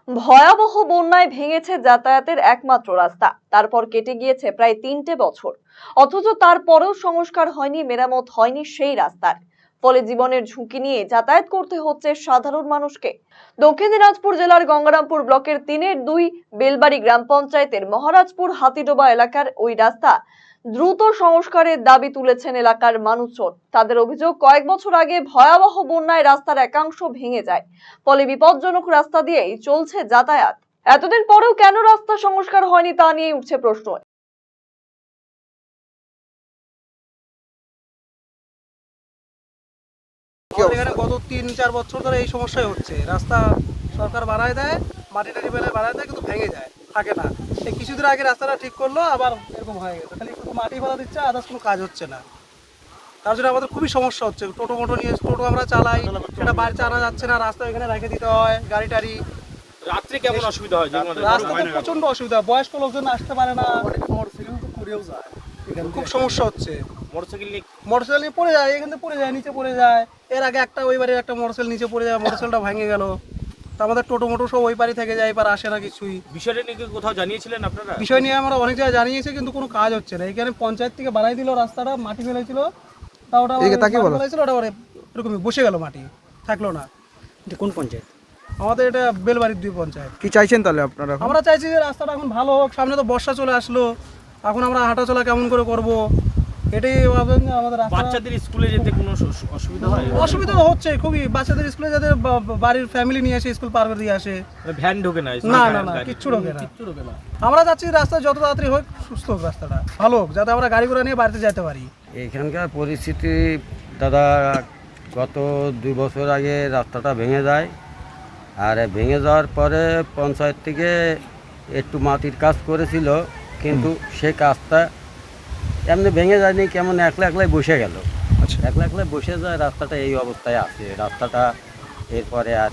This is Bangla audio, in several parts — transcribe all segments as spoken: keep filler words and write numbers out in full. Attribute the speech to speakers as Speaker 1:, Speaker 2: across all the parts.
Speaker 1: ভয়াবহ বন্যায় ভেঙেছে যাতায়াতের একমাত্র রাস্তা। তারপর কেটে গিয়েছে প্রায় তিনটে বছর, অথচ তারপরেও সংস্কার হয়নি, মেরামত হয়নি সেই রাস্তার। ফলে জীবনের ঝুঁকি নিয়ে যাতায়াত করতে হচ্ছে সাধারণ মানুষকে। দক্ষিণ দিনাজপুর জেলার গঙ্গারামপুর ব্লকের তিনের দুই বেলবাড়ি গ্রাম পঞ্চায়েতের মহারাজপুর হাতিডোবা এলাকার ওই রাস্তা দ্রুত সংস্কারের দাবি তুলেছেন এলাকার মানুষজন। তাদের অভিযোগ, কয়েক বছর আগে ভয়াবহ বন্যায় রাস্তার একাংশ ভেঙে যায়, ফলে বিপজ্জনক রাস্তা দিয়েই চলছে যাতায়াত। এতদিন পরেও কেন রাস্তা সংস্কার হয়নি তা নিয়ে উঠছে প্রশ্ন।
Speaker 2: এখানে গত তিন চার বছর ধরে এই সমস্যাই হচ্ছে। রাস্তা সরকার বাড়ায় দেয়, মাটি টাটি বেলায় বাড়ায় দেয়, কিন্তু ভেঙে যায়, থাকে না। এই কিছুদিন আগে রাস্তাটা ঠিক করলো, আবার এরকম হয়ে গেছে। খালি শুধু মাটি ফেলা দিচ্ছে, আদার্স কোনো কাজ হচ্ছে না। তার জন্য আমাদের খুবই সমস্যা হচ্ছে। টোটো মোটো নিয়ে টোটো আমরা চালাই, সেটা বাড়িতে আনা যাচ্ছে না, রাস্তা এখানে রেখে দিতে হয় গাড়ি টাড়ি।
Speaker 3: রাত্রে কেমন অসুবিধা হয়?
Speaker 2: রাস্তাতে প্রচন্ড অসুবিধা, বয়স্ক লোকজন আসতে পারে না, খুব সমস্যা হচ্ছে।
Speaker 3: মোটরসাইকেল নিয়ে
Speaker 2: মোটরসাইকেল নিয়ে পড়ে যায়, এখান থেকে পড়ে যায়, নিচে পড়ে যায়। এর আগে একটা ওই বাড়ির একটা মোটরসাইকেল নিচে পড়ে যায়, মোটরসাইকেলটা ভেঙে গেল। তা আমাদের টোটো মোটো সব ওই বাড়ি থেকে যায়, এবার আসে না কিছুই।
Speaker 3: বিষয়টা নিয়ে কোথাও জানিয়েছিলেন আপনারা?
Speaker 2: বিষয় নিয়ে আমরা অনেক জায়গায় জানিয়েছি, কিন্তু কোনো কাজ হচ্ছে না। এখানে পঞ্চায়েত থেকে বানাই দিল রাস্তাটা, মাটি ফেলেছিল, তা ওটা ফেলেছিল, ওটা এরকমই বসে গেল, মাটি থাকলো না।
Speaker 4: কোন পঞ্চায়েত?
Speaker 2: আমাদের এটা বেলবাড়ির দুই পঞ্চায়েত।
Speaker 4: কি চাইছেন তাহলে আপনারা?
Speaker 2: আমরা চাইছি যে রাস্তাটা এখন ভালো হোক। সামনে তো বর্ষা চলে আসলো, এখন আমরা হাঁটাচলা কেমন করে করব, এটাই ভাবেন। আমাদের
Speaker 3: বাচ্চাদের স্কুলে যেতে কোনো অসুবিধা হয়?
Speaker 2: অসুবিধা হচ্ছে খুবই। বাচ্চাদের স্কুলে যাদের বাড়ির ফ্যামিলি নিয়ে আসে, স্কুল পার করে দিয়ে আসে,
Speaker 3: ভ্যান ঢোকে না?
Speaker 2: না না না, কিচ্ছু ঢোকে না। আমরা চাচ্ছি রাস্তা যত তাড়াতাড়ি হোক, সুস্থ হোক, রাস্তাটা ভালো হোক, যাতে আমরা গাড়ি ঘোড়া নিয়ে বাড়িতে যেতে পারি।
Speaker 5: এখানকার পরিস্থিতি দাদা, গত দুই বছর আগে রাস্তাটা ভেঙে যায়, আর ভেঙে যাওয়ার পরে পঞ্চায়েত থেকে একটু মাটির কাজ করেছিল, কিন্তু সে কাজটা এমনি ভেঙে যায়নি, কেমন একলা একলাই বসে গেল। আচ্ছা, একলা একলাই বসে যায়, রাস্তাটা এই অবস্থায় আছে। রাস্তাটা এরপরে আর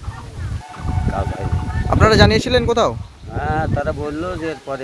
Speaker 5: কাজ হয়নি।
Speaker 4: আপনারা জানিয়েছিলেন কোথাও?
Speaker 5: হ্যাঁ, তারা বললো যে এরপরে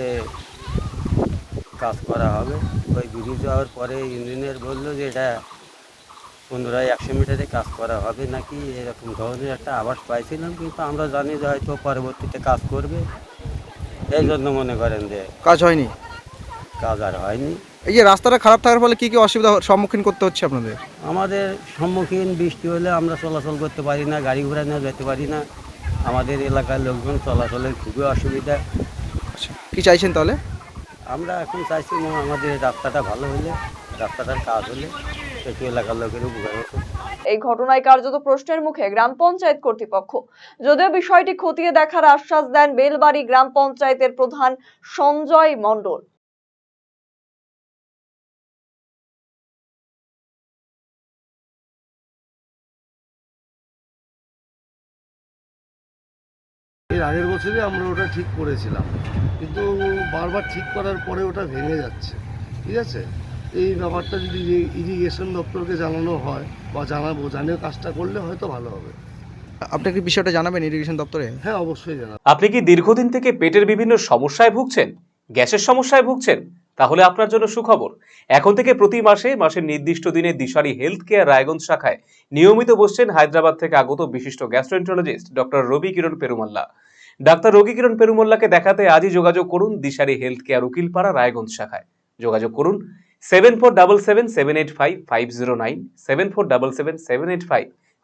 Speaker 5: কাজ করা হবে। ওই ব্রিজ যাওয়ার পরে ইঞ্জিনিয়ার বললো যে এটা পনেরোয় একশো মিটারে কাজ করা হবে নাকি, এরকম ধরনের একটা আভাস পাইছিলাম, কিন্তু আমরা জানি যে হয়তো পরবর্তীতে কাজ করবে। এই জন্য মনে করেন যে
Speaker 4: কাজ হয়নি,
Speaker 5: কাজ আর হয়নি।
Speaker 4: এই যে রাস্তাটা খারাপ থাকার ফলে কি কি অসুবিধার সম্মুখীন করতে হচ্ছে আপনাদের?
Speaker 5: আমাদের সম্মুখীন, বৃষ্টি হলে আমরা চলাচল করতে পারি না, গাড়ি ঘোড়া নিয়ে যেতে পারি না। আমাদের এলাকার লোকজন চলাচলের খুবই অসুবিধা।
Speaker 4: আচ্ছা, কি চাইছেন তাহলে?
Speaker 5: আমরা এখন চাইছি না, আমাদের রাস্তাটা ভালো হলে, রাস্তাটার কাজ হলে একটু এলাকার লোকের উপকার হতো।
Speaker 1: এই ঘটনায় কার্যত প্রশ্নের মুখে গ্রাম পঞ্চায়েত কর্তৃপক্ষ। যদিও বিষয়টি খতিয়ে দেখার আশ্বাস দেন বেলবাড়ি গ্রাম পঞ্চায়েতের প্রধান সঞ্জয় মণ্ডল।
Speaker 6: এর আগের বছরই আমরা ওটা ঠিক করেছিলাম, কিন্তু বারবার ঠিক করার পরে ওটা ভেঙে যাচ্ছে। ঠিক আছে, এই ব্যাপারটা যদি ইরিগেশন দপ্তরকে জানানো হয় বা জানাবো, জানিয়ে কাজটা করলে হয়তো ভালো হবে।
Speaker 4: আপনি কি বিষয়টা জানাবেন ইরিগেশন দপ্তরে?
Speaker 6: হ্যাঁ, অবশ্যই জানাবো।
Speaker 7: আপনি কি দীর্ঘদিন থেকে পেটের বিভিন্ন সমস্যায় ভুগছেন, গ্যাসের সমস্যায় ভুগছেন? তাহলে আপনার জন্য সুখবর। এখন থেকে প্রতি মাসে মাসের নির্দিষ্ট দিনে দিশারি হেলথ কেয়ার রায়গঞ্জ শাখায় নিয়মিত বসছেন হায়দ্রাবাদ থেকে আগত বিশিষ্ট গ্যাস্ট্রোএন্টারোলজিস্ট ডক্টর রবি কিরণ পেরুমাল্লা। ডাক্তার রবি কিরণ পেরুমাল্লাকে দেখাতে আজই যোগাযোগ করুন দিশারি হেলথ কেয়ার উকিলপাড়া রায়গঞ্জ শাখায়। যোগাযোগ করুন seven four double seven seven eight five five zero nine, seven four double seven seven eight five